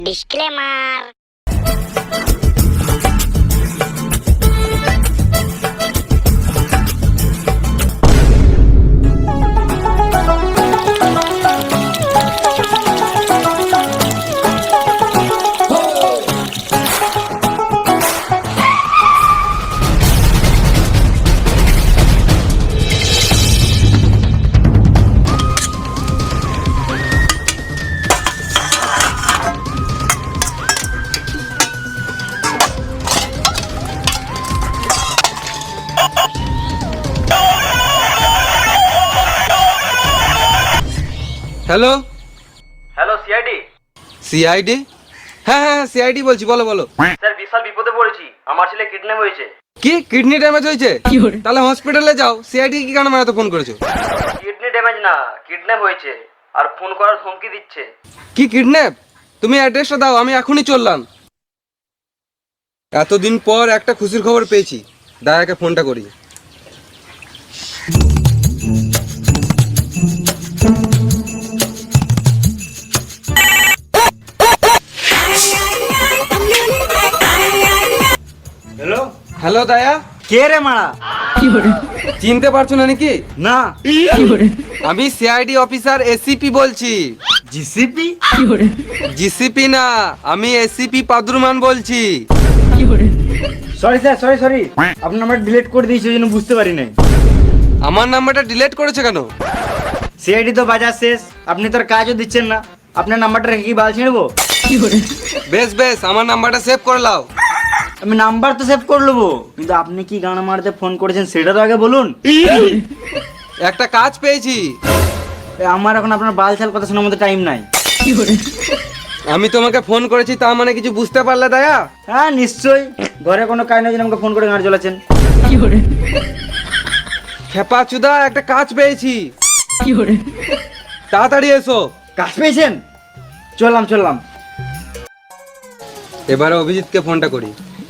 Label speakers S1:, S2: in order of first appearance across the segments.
S1: Disclaimer.
S2: Hello
S3: hello CID.
S2: CID? হ্যাঁ হ্যাঁ CID বলছি, বলো বলো।
S3: স্যার বিশাল বিপদে পড়েছি, আমার ছেলে কিডন্যাপ হয়েছে।
S2: কি কিডনি ড্যামেজ হয়েছে? তাহলে হসপিটালে যাও। সিআইডি কি কারণে মানে তো ফোন করেছো?
S3: কিডনি ড্যামেজ না, কিডন্যাপ হয়েছে আর ফোন করার হুমকি দিচ্ছে।
S2: কি কিডন্যাপ? তুমি অ্যাড্রেসটা দাও, আমি এখনই চললাম। এতদিন পর একটা খুশির খবর পেয়েছি, দায়াকে ফোনটা করি।
S3: হ্যালো,
S2: হ্যালো দায়া,
S3: কে রে মারা?
S2: চিনতে পারছো না নাকি?
S3: না।
S2: আমি সিআইডি অফিসার এসিপি বলছি।
S3: জিসিপি?
S2: জিসিপি না, আমি এসিপি পাদুরমান বলছি।
S3: সরি স্যার, সরি আপনার নাম্বার ডিলিট করে দিয়েছি, ওই জন্য বুঝতে পারি নাই।
S2: আমার নাম্বারটা ডিলিট করেছে কেন?
S3: সিআইডি তো বাজার শেষ, আপনি তো আর কাজও দিচ্ছেন না, আপনার নাম্বারটা রেখে কি বাল ছিঁড়বো?
S2: বেশ বেশ, আমার নাম্বারটা সেভ করে নাও।
S3: আমি নাম্বার তো সেভ করে নেবো, কিন্তু আপনি কি গান মারতে ফোন করেছেন সেটা তো আগে বলুন।
S2: একটা কাজ পেয়েছি।
S3: আমার এখন আপনার বাল ছাল কথা শোনার মতো টাইম নাই।
S2: আমি তোমাকে ফোন করেছি, তা মানে কিছু বুঝতে পারলে দায়া?
S3: হ্যাঁ নিশ্চয়ই, ঘরে কোনো কাজ নেই, আমাকে ফোন করে গান চলেছেন।
S2: খেপা চুদা, একটা কাজ পেয়েছি। তাড়াতাড়ি এসো।
S3: কাজ পেয়েছেন? চললাম।
S2: এবারে অভিজিৎকে ফোনটা করি।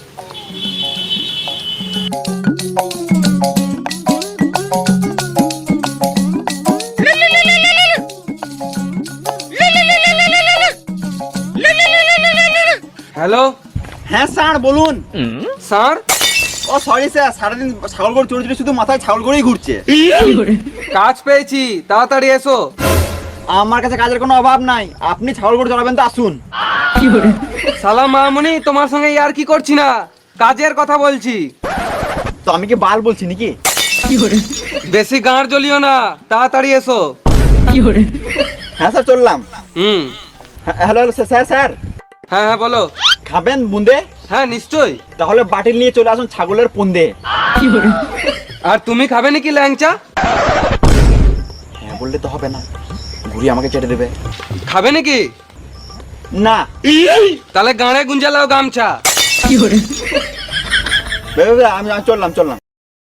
S2: হ্যালো
S4: হ্যাঁ স্যার বলুন।
S2: স্যার,
S4: ও সরি স্যার, সারাদিন ছাগল গরু চড়ে চড়ে শুধু মাথায় ছাগল গরুই ঘুরছে।
S2: কাজ পেয়েছি, তাড়াতাড়ি এসো।
S4: আমার কাছে কাজের কোনো অভাব নাই, আপনি ছাগল গরু চড়াবেন তো আসুন।
S2: সালাম মামুনি, তোমার সঙ্গে আর কি করছি না, কাজের কথা বলছি।
S4: তো আমি কি বাল বলছি নাকি?
S2: বেশি গাঁড় জ্বলিও না, তাড়াতাড়ি এসো।
S4: হ্যাঁ স্যার চললাম। হ্যালো স্যার স্যার,
S2: হ্যাঁ হ্যাঁ বলো।
S4: খাবেন বুন্দে?
S2: হ্যাঁ নিশ্চয়ই।
S4: তাহলে বাটিল নিয়ে চলে আসুন ছাগলের পুন্দে।
S2: আর তুমি খাবে নাকি ল্যাংচা?
S4: হ্যাঁ বললে তো হবে না, ঘুরি আমাকে চেটে দেবে।
S2: খাবে নাকি?
S4: না।
S2: তাহলে গাঁড়ে গুঞ্জালাও গামছা।
S4: আমি চললাম।